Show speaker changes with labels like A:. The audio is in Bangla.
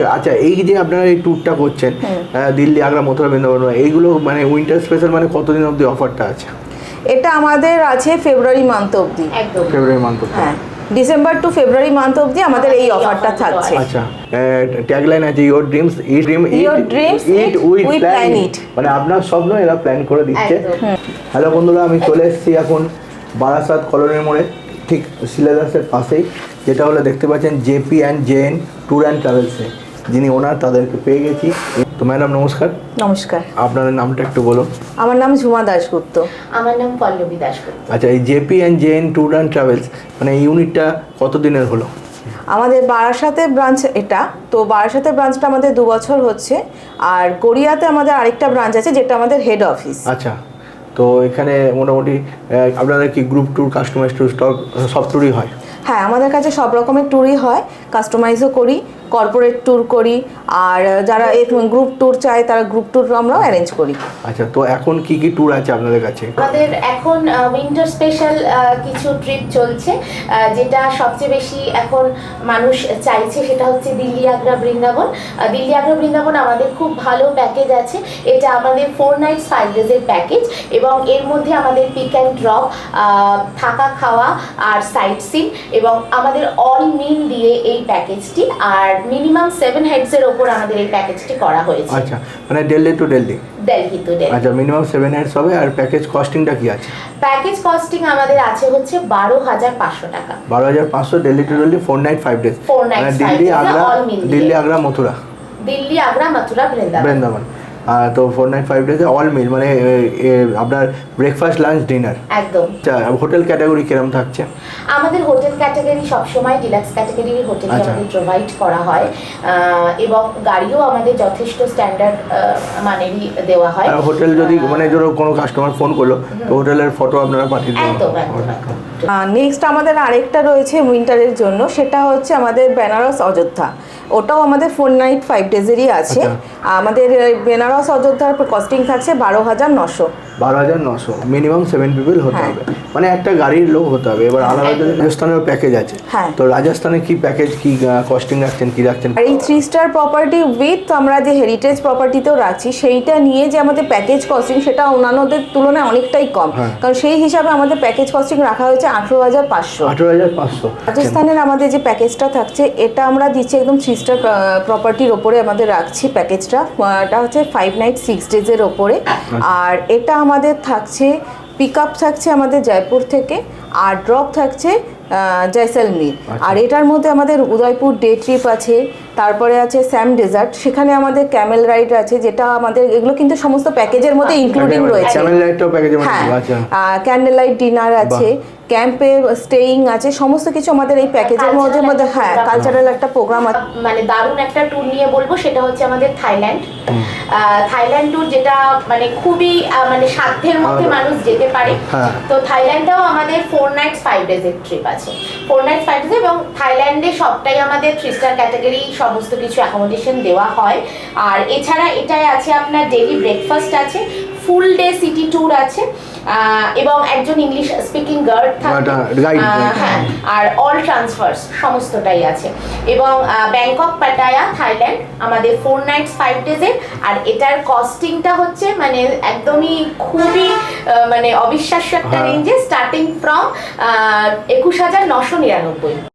A: আচ্ছা, এই যে আপনারা এই ট্যুরটা করছেন দিল্লি, আগ্রা, মথুরা, বৃন্দাবন, এইগুলো মানে উইন্টার স্পেশাল মানে কতদিন অবধি অফারটা আছে?
B: এটা আমাদের আছে ফেব্রুয়ারি মান্থ অবধি।
C: একদম
A: ফেব্রুয়ারি মান্থ।
B: হ্যাঁ, ডিসেম্বর টু ফেব্রুয়ারি মান্থ অবধি আমাদের এই অফারটা থাকছে।
A: আচ্ছা, ট্যাগলাইন আছে your dreams it with plan it, মানে আপনার স্বপ্ন এরা প্ল্যান করে দিচ্ছে। হ্যালো বন্ধুরা, আমি চলে এসেছি এখন বারাসাত কলোনির মোড়ে, ঠিক সিলেবাসের পাশেই, যেটা হলো দেখতে পাচ্ছেন JP and JN tour and ট্রাভেলসে যিনি ওনার, তাদেরকে পেয়ে গেছি। তো ম্যাডাম নমস্কার।
B: নমস্কার।
A: আপনাদের নামটা একটু বলুন।
B: আমার নাম ঝুমা দাশগুপ্ত।
C: আমার নাম পল্লবী দাশগুপ্ত।
A: আচ্ছা, এই JP and JN tour and travels মানে এই ইউনিটটা কতদিনের হলো?
B: আমাদের বারাসাতে ব্রাঞ্চ এটা, তো বারাসাতে ব্রাঞ্চটা আমাদের 2 বছর হচ্ছে, আর গড়িয়াতে আমাদের আরেকটা ব্রাঞ্চ আছে যেটা আমাদের হেড অফিস।
A: আচ্ছা, তো এখানে মোটামুটি আপনাদের কি গ্রুপ ট্যুর, কাস্টমাইজ ট্যুর, সব ট্যুরই হয়?
B: হ্যাঁ, আমাদের কাছে সব রকমের ট্যুরই হয়, কাস্টমাইজও করি, কর্পোরেট ট্যুর করি, আর যারা গ্রুপ ট্যুর চায় তারা গ্রুপ ট্যুর আমরাও অ্যারেঞ্জ করি।
A: আচ্ছা, তো এখন কি কি ট্যুর আছে আপনাদের কাছে?
C: আমাদের এখন উইন্টার স্পেশাল কিছু ট্রিপ চলছে, যেটা সবচেয়ে বেশি এখন মানুষ চাইছে সেটা হচ্ছে দিল্লি, আগ্রা, বৃন্দাবন। দিল্লি, আগ্রা, বৃন্দাবন আমাদের খুব ভালো প্যাকেজ আছে। এটা আমাদের 4 nights 5 days প্যাকেজ, এবং এর মধ্যে আমাদের পিক অ্যান্ড ড্রপ, থাকা খাওয়া আর সাইট সিন, এবং আমাদের অল মিল দিয়ে এই প্যাকেজটি, আর মিনিমাম 7 heads-এর ওপর আমাদের এই প্যাকেজটি করা হয়েছে।
A: আচ্ছা, মানে দিল্লি টু দিল্লি।
C: দিল্লি টু দিল্লি।
A: আচ্ছা, মিনিমাম 7 heads হবে। আর প্যাকেজ কস্টিংটা কি আছে?
C: প্যাকেজ কস্টিং আমাদের আছে হচ্ছে 12,500 টাকা।
A: 12,500 Delhi to Delhi 4 night 5 days।
C: 4 nights 5 days
A: Delhi, Agra, Mathura.
C: Delhi, Agra, Mathura,
A: Vrindavan. তো 4 night 5 days অল মিল, মানে আপনার ব্রেকফাস্ট, লাঞ্চ, ডিনার
C: একদম।
A: আচ্ছা, হোটেল ক্যাটাগরি কিরকম থাকছে?
C: আমাদের হোটেল ক্যাটাগরি সবসময় ডিলাক্স ক্যাটাগরির হোটেল আমাদের প্রোভাইড করা হয়, এবং গাড়িও আমাদের যথেষ্ট স্ট্যান্ডার্ড মানেরই দেওয়া হয়।
A: আর হোটেল যদি মানে ধরো কোনো কাস্টমার ফোন করলো, তো হোটেলের ফটো আপনারা পাঠিয়ে দেবেন?
C: একদম।
B: নেক্সট আমাদের আরেকটা রয়েছে উইন্টারের জন্য, সেটা হচ্ছে আমাদের বেনারস অযোধ্যা। ওটাও আমাদের 4 night 5 days-এরই আছে। আমাদের বেনারস অযোধ্যার কস্টিং থাকছে 12,900।
A: 12,900, মিনিমাম 7 people হতে হবে, মানে একটা গাড়ির লোক হতে হবে। এবার আলাদা রাজস্থানের প্যাকেজ আছে, তো রাজস্থানে কি প্যাকেজ, কি কস্টিং রাখছেন, কি রাখছেন?
B: আর এই 3 star প্রপার্টি উইথ আমরা যে হেরিটেজ প্রপার্টিতেও রাখছি, সেইটা নিয়ে যে আমাদের প্যাকেজ কস্টিং, সেটা অন্যান্যদের তুলনায় অনেকটাই কম, কারণ সেই হিসাবে আমাদের প্যাকেজ কস্টিং রাখা হয়েছে 18,500।
A: 18,500।
B: রাজস্থানের আমাদের যে প্যাকেজটা থাকছে, এটা আমরা দিচ্ছি একদম 3 star প্রপার্টির ওপরে আমাদের রাখছি প্যাকেজটা। এটা হচ্ছে 5 night 6 days-এর ওপরে। আর এটা আমাদের থাকছে পিক আপ থাকছে আমাদের জয়পুর থেকে, আর ড্রপ থাকছে জয়সলমীর। আর এটার মধ্যে আমাদের উদয়পুর ডে ট্রিপ আছে, তারপরে আছে স্যাম ডেজার্ট, সেখানে আমাদের ক্যামেল রাইড আছে, যেটা আমাদের এগুলো কিন্তু সমস্ত প্যাকেজের মধ্যে ইনক্লুডিং রয়েছে।
A: ক্যামেল রাইডটাও প্যাকেজের মধ্যে আছে।
B: হ্যাঁ, ক্যান্ডেল লাইট ডিনার আছে, ক্যাম্পে স্টেইং আছে, সমস্ত কিছু আমাদের এই প্যাকেজের মধ্যে। হ্যাঁ, কালচারাল একটা প্রোগ্রাম আছে।
C: মানে দারুণ একটা ট্যুর নিয়ে বলবো, সেটা হচ্ছে আমাদের থাইল্যান্ড ট্যুর, যেটা মানে খুবই মানে সাধ্যের মধ্যে মানুষ যেতে পারে। তো থাইল্যান্ডটাও আমাদের 4 nights 5 days-এর ট্রিপ আছে। 4 nights 5 days, এবং থাইল্যান্ডে সবটাই আমাদের 3 star ক্যাটাগরি, সমস্ত কিছু অ্যাকোমোডেশন দেওয়া হয়। আর এছাড়া এটাই আছে আপনার ডেইলি ব্রেকফাস্ট আছে, ফুল ডে সিটি ট্যুর আছে, এবং একজন ইংলিশ স্পিকিং গাইড থাকে। হ্যাঁ, আর অল ট্রান্সফার্স সমস্তটাই আছে। এবং ব্যাংকক, পাটায়া, থাইল্যান্ড আমাদের 4 nights 5 days-এর। আর এটার কস্টিংটা হচ্ছে মানে একদমই খুবই মানে অবিশ্বাস্য একটা রেঞ্জে, স্টার্টিং ফ্রম 21,999।